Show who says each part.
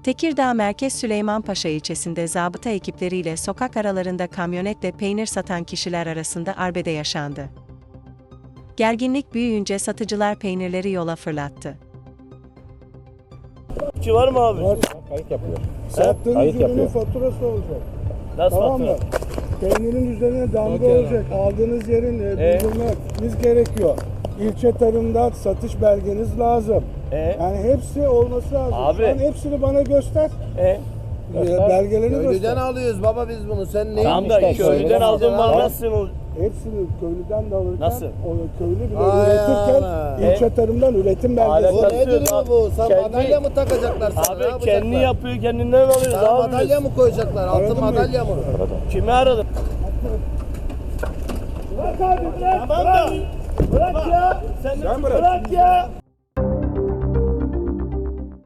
Speaker 1: Tekirdağ Merkez Süleymanpaşa ilçesinde zabıta ekipleriyle sokak aralarında kamyonetle peynir satan kişiler arasında arbede yaşandı. Gerginlik büyüyünce satıcılar peynirleri yola fırlattı.
Speaker 2: Var mı abi?
Speaker 3: Var.
Speaker 4: Kayıt yapıyor.
Speaker 3: Sattığınız
Speaker 4: Kayıt
Speaker 3: ürünün
Speaker 4: yapıyor.
Speaker 3: faturası olacak.
Speaker 2: Nasıl
Speaker 3: Tamam mı?
Speaker 2: fatura?
Speaker 3: Peynirin üzerine damga olacak. Aldığınız yerin bildirmeniz gerekiyor. İlçe tarımda satış belgeniz lazım. Yani hepsi olması lazım.
Speaker 2: Abi.
Speaker 3: Şu an hepsini bana göster. Belgelerini
Speaker 5: Köylüden
Speaker 3: göster.
Speaker 5: alıyoruz baba biz bunu. Sen ne?
Speaker 2: Tamam da
Speaker 4: işte,
Speaker 2: köylüden
Speaker 4: söyle.
Speaker 2: aldığın mal nasıl olur?
Speaker 3: Hepsini köylüden de alırken,
Speaker 2: Nasıl?
Speaker 3: o köylü bile
Speaker 5: Ay
Speaker 3: üretirken
Speaker 5: ana.
Speaker 3: ilçe tarımdan üretim belgesi.
Speaker 5: Bu
Speaker 2: Alet-
Speaker 5: nedir bu? Sen
Speaker 2: Kendi-
Speaker 5: madalya mı takacaklar sana? Ne
Speaker 2: Abi
Speaker 5: yapacaklar?
Speaker 2: kendi yapıyor, kendinden alıyoruz
Speaker 5: Sana
Speaker 2: abi.
Speaker 5: madalya mı koyacaklar? Altın
Speaker 3: Aradın mı?
Speaker 5: madalya mı?
Speaker 2: Kimi aradın? Bırak abi bırak. Tamam da. Bırak ya. Sen bırak ya.